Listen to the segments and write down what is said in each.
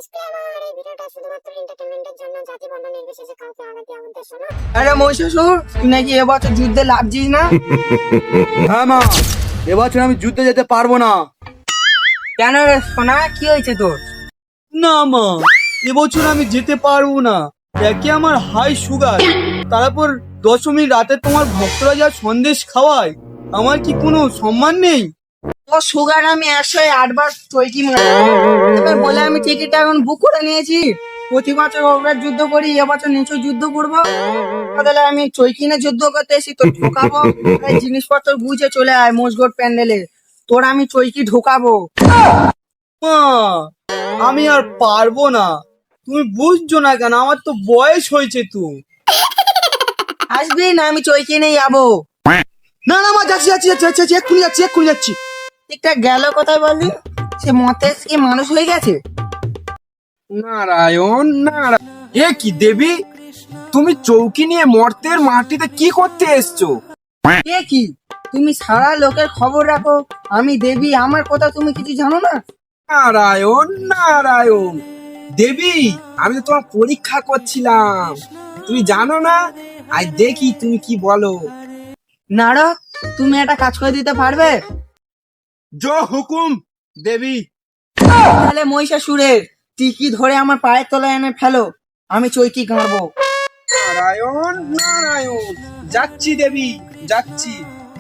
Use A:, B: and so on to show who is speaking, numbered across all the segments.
A: Disclaimer, এই ভিডিওটা শুধুমাত্র এন্টারটেইনমেন্টের জন্য, জাতি বর্ণ নির্বিশেষে কাউকে আঘাত দেওয়ার উদ্দেশ্য না।
B: আরে মহিষাসুর, তুই নাকি এবছর যুদ্ধে লাগছিস না?
C: হ্যাঁ মা, এবছর আমি যুদ্ধে যেতে পারবো না।
B: কেন রে সোনা, কি হয়েছে তোর?
C: না মা, এবছর আমি যেতে পারবো না। একে আমার হাই সুগার, তারপর দশমীর রাতে তোমার ভক্তরা যা সন্দেশ খাওয়ায়, আমার কি কোনো সম্মান নেই?
B: ও সুগার আমি 108 বার চৈকি মারি, এবার বলে আমি টিকিটটা এখন বুক করে নিয়েছি। প্রতি বছর ওভার যুদ্ধ করি, এবছর নিচু যুদ্ধ করবো। তাহলে আমি চৈকিনে যুদ্ধ করতে এসি, তোর ঢোকাবো। এই জিনিসপত্র বুঝে চলে আয় মোষগোট প্যান্ডেলে, তোর আমি চৈকি ঢোকাবো।
C: মা, আমি আর পারবো না। তুমি বুঝছো না কেন? আমার তো বয়স হয়েছে তো।
B: আসবি না, আমি চৈকি নিয়ে যাবো।
C: না না মা, যাচ্ছি যাচ্ছি যাচ্ছি যাচ্ছি, এক্ষুনি যাচ্ছি।
B: ঠিকটা গেল কোথায় বললি? সে মতেশ কি মানুষ হয়ে গেছে?
D: নারায়ণ নারায়ণ, এ কি দেবী, তুমি চৌকি নিয়ে মর্তের মাটিতে কি করতে এসছো?
B: এ কি, তুমি সারা লোকের খবর রাখো, আমি দেবী, আমার কথা তুমি কিছু জানো না?
D: নারায়ণ নারায়ণ, দেবী আমি তো তোমার পরীক্ষা করছিলাম, তুমি জানো না? আজ দেখি তুমি কি বলো।
B: নারদ, তুমি একটা কাজ করে দিতে পারবে?
C: জো হুকুম দেবী।
B: তাহলে মহিষাসুরের টিকি ধরে আমার পায়ের তলায় এনে ফেলো, আমি চৈকি গাঁড়বো।
D: নারায়ণ নারায়ণ, যাচ্ছি দেবী, যাচ্ছি।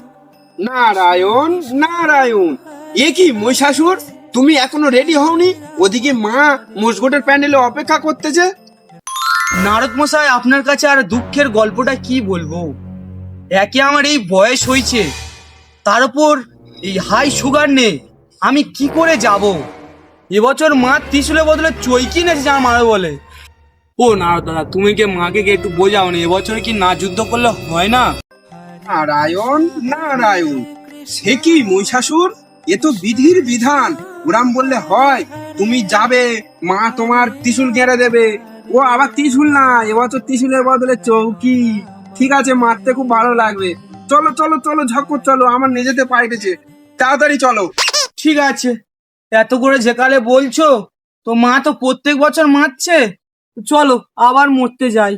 D: নারায়ণ নারায়ণ, এ কি মহিষাসুর, তুমি এখনো রেডি হওনি? ওদিকে মা মোষগোটের প্যান্ডেলে অপেক্ষা করতেছে।
C: নারদ মশাই, আপনার কাছে আর দুঃখের গল্পটা কি বলবো? একে আমার এই বয়স হয়েছে, তার উপর এই হাই সুগার নেই, আমি কি করে যাব? এবছর মা ত্রিশূলের বদলে চৈকি নেছে যা মারা বলে। ও নারদ দাদা, তুমি কি মাকে একটু বোঝাও না, এবছর কি না যুদ্ধ করলে হয় না?
D: নারায়ণ নারায়ণ, সে কি মহিষাসুর, এ তো বিধির বিধান, ওরাম বললে হয়? তুমি যাবে, মা তোমার ত্রিশূল গেড়ে দেবে। ও আবার ত্রিশূল না, এবছর ত্রিশূলের বদলে চৌকি। ঠিক আছে, মারতে খুব ভালো লাগবে। চলো চলো চলো, ঝকর চলো, আমার নিজেতে পাইতেছে, তাড়াতাড়ি চলো।
C: ঠিক আছে, এত করে যেকালে বলছো, তো মা তো প্রত্যেক বছর মারছে, চলো আবার মরতে যাই।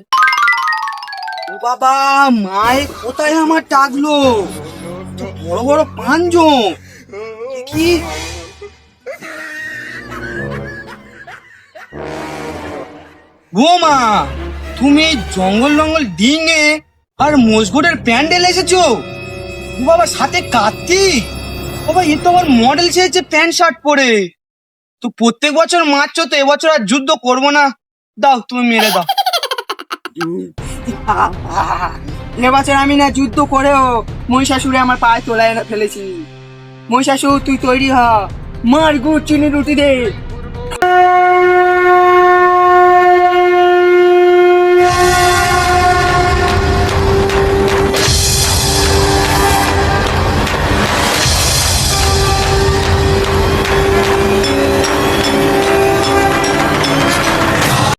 C: ও বাবা, মায়ে কোথায় আমার টাকলো? তো বড় বড় পাঁচজন, কি ও মা, তুমি এই জঙ্গল জঙ্গল ডিঙে আর মজগুটের প্যান্ডেল এসেছো? ও বাবা, সাথে কার্তিক, বাবা এ তো আমার মডেল চেয়েছে প্যান্ট শার্ট পরে। তো প্রত্যেক বছর মারছো, তো এবছর আর যুদ্ধ করবো না, দাও তুমি মেরে দাও।
B: এবছর আমি না যুদ্ধ করেও মহিষাসুরে আমার পায়ে তোলায় এনে ফেলেছি। মহিষাসুর, তুই তৈরি হ, মার গুড় চিনি রুটি দে।